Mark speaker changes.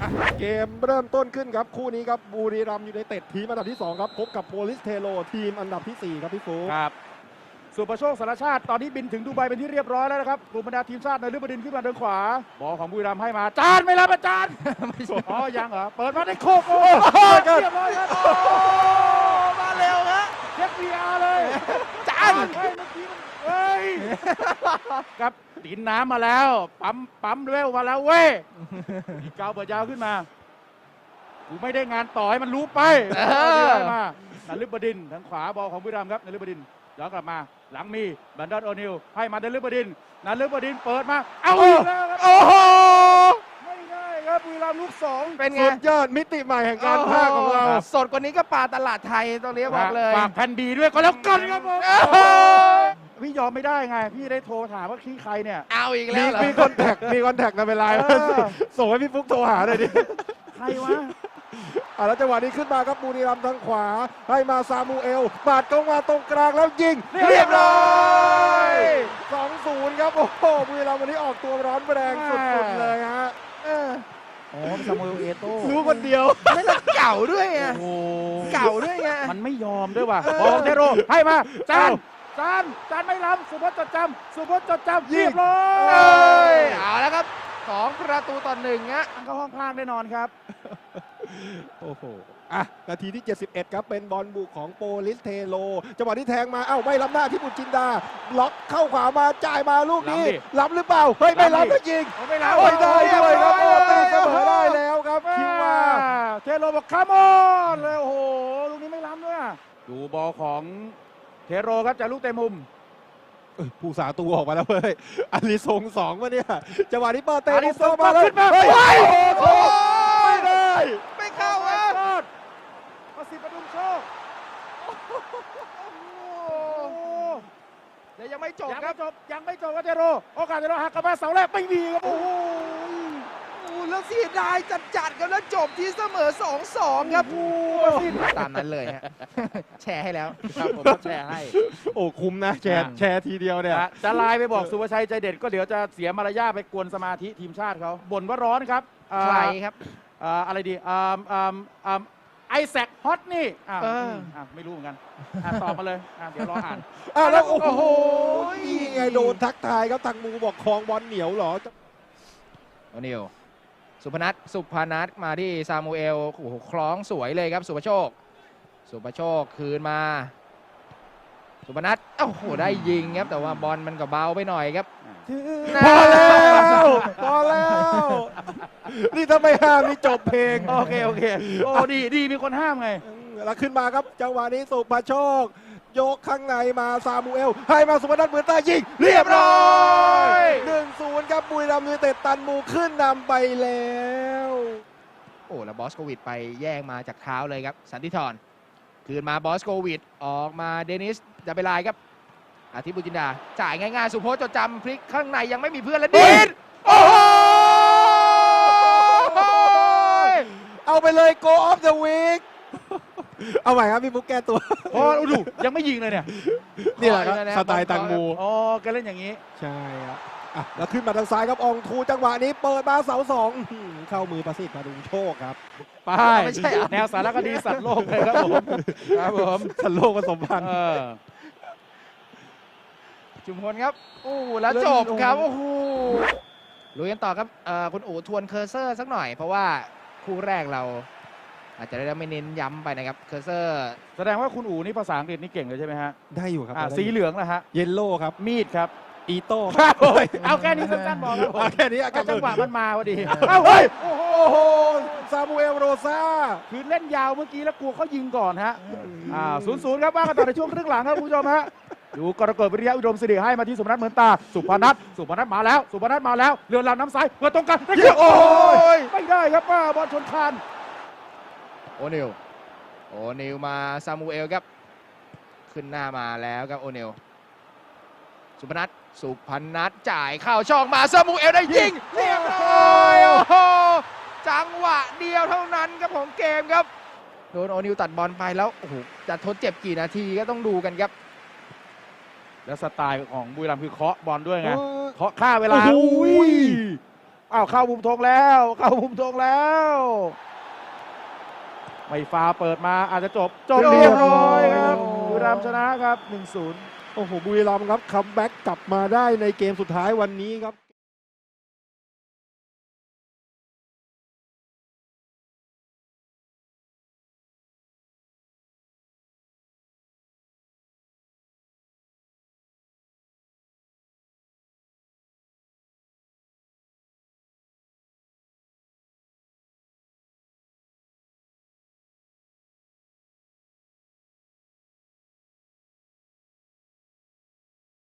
Speaker 1: เกมเริ่มต้นขึ้นครับคู่นี้ครับบุรีรัมย์ยูไนเต็ดทีมอันดับที่2ครับพบกับโปลิสเทโรทีมอันดับที่4ครับพี่ฟู
Speaker 2: ครับสุประโชคสารชาติตอนนี้บินถึงดูไบเป็นที่เรียบร้อยแล้วนะครับกลุ่มบรรดาทีมชาติในฤบดินขึ้นมาทางขวาบอลของบุรีรัมย์ให้มาจานไม่รับอาจารย์อ๋อยังเหรอเปิดมาได้โคกโอ้เรียบร้อยครับมาเร็วฮะเช็ค VR เลยจานเฮ้ยเมื่อกี้มันเฮ้ยครับดินน้ำมาแล้วปั๊มเร็วมาแล้วเว้ยอีกเกาเปิดยาวขึ้นมากูไม่ได้งานต่อให้มันรู้ไปได้มานันฤบดินทางขวาบอลของบุรีรัมย์ครับนันฤบดินย้อนกลับมาหลังมีบันดอนโอนิลให้มานันฤบดินเปิดมาเอาอีกแล้วครับโอ้โหไม่ได้ครับบุรีรัมย์ลูก2
Speaker 3: เป็นไง
Speaker 1: สุดยอดมิติใหม่แห่งการพากย์ของเรา
Speaker 3: สดกว่านี้ก็ปลาตลาดไทยตรงนี้บอกเลย
Speaker 2: ฝากแผ่นดีด้วยก็แล้วกันครับผมพี่ยอมไม่ได้ไงพี่ได้โทรถามว่าขี้ใครเนี่ย
Speaker 3: เอาอีกแล้วเหรอ
Speaker 1: มีคอนแทคในเวลาส่งให้พี่ฟุ๊กโทรหาหน่อยดิ
Speaker 2: ใครวะ
Speaker 1: แล้วจังหวะนี้ขึ้นมาครับบุรีรัมย์ทางขวาให้มาซามูเอลปาดเข้ามาตรงกลางแล้วยิงเรียบร้อย 2-0 ครับโอ้โหบุรีรัมย์วันนี้ออกตัวร้อนแรงสุดๆเลยฮะ
Speaker 2: อ๋อซามูเอลเอโต้
Speaker 1: รู้คนเดียว
Speaker 3: ไม่ต้องเก่าด้วยไง
Speaker 2: โอ้
Speaker 3: เก่าด้วยไง
Speaker 2: มันไม่ยอมด้วยว่ะบอลเทโรให้มาจานไม่ล้ำสุพจน์จดจำเรียบร้อย
Speaker 3: เอาแล้วครับ2-1ฮะ
Speaker 2: เข้าห้องพลางแน่นอนครับ
Speaker 1: โอ้โหนาทีที่ 71 ครับเป็นบอลบุกของโปลิสเทโรจังหวะที่แทงมาไม่ล้ำหน้าที่บุญจินดาล็อกเข้าขวามาจ่ายมาลูกนี้ล้ำหรือเปล่าเฮ้ยไม่ล้ำก็ยิง
Speaker 2: ไม่ล้ำ
Speaker 1: ได้ด้วยครับตีเสมอได้แล้วครับคิวมา
Speaker 2: เทโรบอกคัมออนเลยโอ้โหลูกนี้ไม่ล้ำด้วยดูบอลของเทโรครับจากลูกเตะมุม
Speaker 1: ผู้สาตูออกมาแล้วเว้ยอาริซง2วะเนี่ยจังหวะนี้เปิดเตะ
Speaker 2: อาริซง
Speaker 1: มาเลย
Speaker 2: ขึ้นมา
Speaker 1: เฮ้ย
Speaker 2: โอ้โห
Speaker 1: ไม่ได้
Speaker 3: ไม่เข้าฮะ
Speaker 2: ประสิทธิ์ประดุมโชค
Speaker 3: เดี๋ยวยังไม่จบ
Speaker 2: ยัง
Speaker 3: ครั
Speaker 2: ไม่
Speaker 3: บ
Speaker 2: จบครับเทโรโอกาสเทโรหักกลับมาเสาแรกไม่มีครับโอ้โห
Speaker 3: แล้วเสียดายจัดๆครับแล้วจบที่เสมอ 2-2 ครับ
Speaker 2: ประสิทธิ์
Speaker 3: ตามนั้นเลยฮะ แชร์ให้แล้ว
Speaker 2: ครับผมแชร์ให้
Speaker 1: โอ้คุ้มนะแชร์ทีเดียวเนี่ย
Speaker 2: จะไลน์ไปบอกสุภชัยใจเด็ดก็เดี๋ยวจะเสียมารยาทไปกวนสมาธิทีมชาติเขาบ่นว่าร้อนครับ
Speaker 3: ใครครับ
Speaker 2: อะไรดีไอแซคฮอตนี่ไม่รู้เหมือนกันตอบมาเลยเดี๋ยวรออ่าน
Speaker 1: แล้วโอ้โห
Speaker 3: โอ้โห
Speaker 1: นี่ไงโดนทักทายครับทางมูบอกคลองบอลเหนียวเหรอ
Speaker 3: โอนิลสุพนัทมาที่ซามูเอลโอ้โหคล้องสวยเลยครับสุภโชคคืนมาสุพนัทโอ้โหได้ยิงครับแต่ว่าบอลมันก็เบาไปหน่อยครับ
Speaker 1: พอแล้วนี่ถ้าไม่ห้ามนี่จบเพลง
Speaker 2: โอเคโอ้ดีมีคนห้ามไง
Speaker 1: แล้วขึ้นมาครับจังหวะนี้สุภโชคยกข้างในมาซามูเอลให้มาสุพนัทเหมือนตายิงเรียบร้อย 1-0 ครับบุรีรัมย์ยูไนเต็ดตันมูขึ้นนำไปแล้ว
Speaker 3: โอ้แล้วบอสโควิดไปแย่งมาจากเท้าเลยครับสันติธรคืนมาบอสโควิดออกมาเดนิสจะไปลายครับอาทิตย์บุญจินดาจ่ายง่ายๆสุพจน์จดจำพลิกข้างในยังไม่มีเพื่อนแล้วดินโอ้โห
Speaker 1: เอาไปเลย go of the week เอาใหม่ครับพี่บุ๊กแก้ตัว
Speaker 2: โอ้ดูยังไม่ยิงเลยเนี่ย
Speaker 1: นี่แหละครับสไตล์ตังมู
Speaker 2: อ๋อแกเล่นอย่างนี้
Speaker 1: ใช่ครับแล้วขึ้นมาทางซ้ายครับอองทูจังหวะนี้เปิดมาเสา2เข้ามือประสิทธิ์มาดูโชคครับ
Speaker 2: ไปแนวสารคดีสัตว์โลกเลยครับผม
Speaker 1: สันโลกผสมพันธุ์
Speaker 3: จุมพลครับโอ้แล้วจบครับโอ้โหลุยกันต่อครับคุณอู๋ทวนเคอร์เซอร์สักหน่อยเพราะว่าคู่แรกเราอาจจะได้ไม่เน้นย้ำไปนะครับเคอร์เซอร์
Speaker 2: แสดงว่าคุณอู๋นี่ภาษาอังกฤษนี่เก่งเลยใช่ไหมฮะ
Speaker 1: ได้อยู่ครับ
Speaker 2: สีเหลืองนะฮะ
Speaker 1: เยลโล่ครับ
Speaker 2: มีดครับ
Speaker 1: อีโต้
Speaker 2: เอาแค่นี้สั้นๆบอกครับผม
Speaker 1: แค่นี้
Speaker 2: จังหวะมันมาพอดี
Speaker 1: เฮ้ยโอ้โหซามูเอลโรซา
Speaker 2: คือเล่นยาวเมื่อกี้แล้วกลัวเขายิงก่อนฮะ0-0ครับว่ากันต่อในช่วงครึ่งหลังครับคุณผู้ชมฮะดูกรกฎวิริยะอุดมสิริให้มาที่สุพนัทเหมือนตาสุพนัทมาแล้วเรือนลำน้ำซ้ายเพื่อตรงกันโอ้ยไม่ได้ครับป้าบอลชนคาน
Speaker 3: โอนิลมาซามูเอลครับขึ้นหน้ามาแล้วครับโอนิลสุพนัทจ่ายเข้าช่องมาซามูเอลได้ยิงเรียบร้อยโอ้โหจังหวะเดียวเท่านั้นครับของเกมครับโดนโอนิลตัดบอลไปแล้วโอ้โหจะทดเจ็บกี่นาทีก็ต้องดูกันครับ
Speaker 2: แล้วสไตล์ของบุรีรัมย์คือเคาะบอลด้วยไงเคาะฆ่าเวลาอ้าวเข้ามุมธงแล้วเข้ามุมธงแล้วไม่ฟาวเปิดมาอาจจะจบเรียบร้อยครับบุรีรัมย์ชนะครับ 1-0
Speaker 1: โอ้โหบุรีรัมย์ครับคัมแบ็กกลับมาได้ในเกมสุดท้ายวันนี้ครับ